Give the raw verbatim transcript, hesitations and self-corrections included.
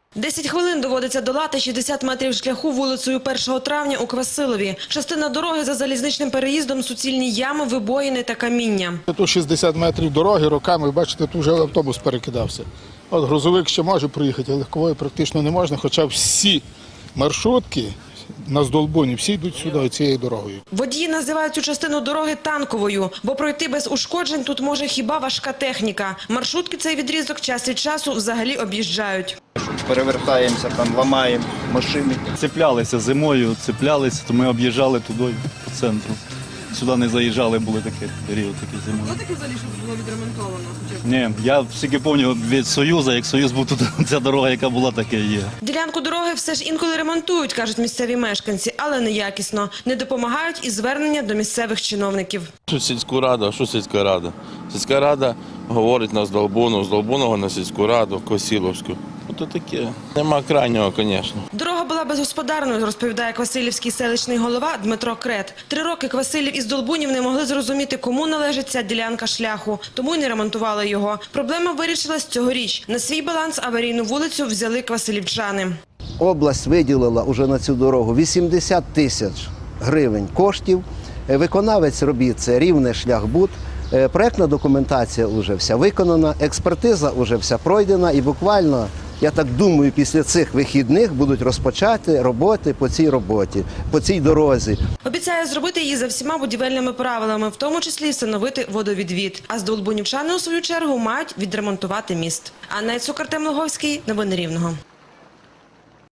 десять хвилин доводиться долати шістдесят метрів шляху вулицею першого травня у Квасилові. Частина дороги за залізничним переїздом – суцільні ями, вибоїни та каміння. Тут шістдесят метрів дороги, роками, бачите, тут вже автобус перекидався. От грузовик ще може проїхати, а легкової практично не можна, хоча всі маршрутки на Здолбуні всі йдуть сюди, цією дорогою. Водії називають цю частину дороги танковою, бо пройти без ушкоджень тут може хіба важка техніка. Маршрутки цей відрізок час від часу взагалі об'їжджають. Перевертаємося, там ламаємо машини. Цеплялися зимою, цеплялися, то ми об'їжджали туди, по центру. Сюди не заїжджали, були такі період, такі зимою. Було таке взагалі, що було відремонтовано? Ні, я тільки пам'ятаю від Союзу, як Союз був тут, ця дорога, яка була, таке є. Ділянку дороги все ж інколи ремонтують, кажуть місцеві мешканці, але неякісно. Не допомагають і звернення до місцевих чиновників. Що сільську раду, що сільська рада? Сільська рада говорить на Здолбуну, з Здолбуного на сільську раду, Косіловську. Ото таке. Нема крайнього, звісно. Дорога була безгосподарною, розповідає квасилівський селищний голова Дмитро Крет. Три роки Квасилів із Здолбунів не могли зрозуміти, кому належить ця ділянка шляху, тому й не ремонтували його. Проблема вирішилась цьогоріч. На свій баланс аварійну вулицю взяли квасилівчани. Область виділила уже на цю дорогу вісімдесят тисяч гривень коштів. Виконавець робіт – це Рівнешляхбуд. Проектна документація вже вся виконана, експертиза вже вся пройдена і буквально, я так думаю, після цих вихідних будуть розпочати роботи по цій роботі, по цій дорозі. Обіцяє зробити її за всіма будівельними правилами, в тому числі встановити водовідвід. А здолбунівчани, у свою чергу, мають відремонтувати міст. Анна Яцук, Артем Логовський. Новини Рівного.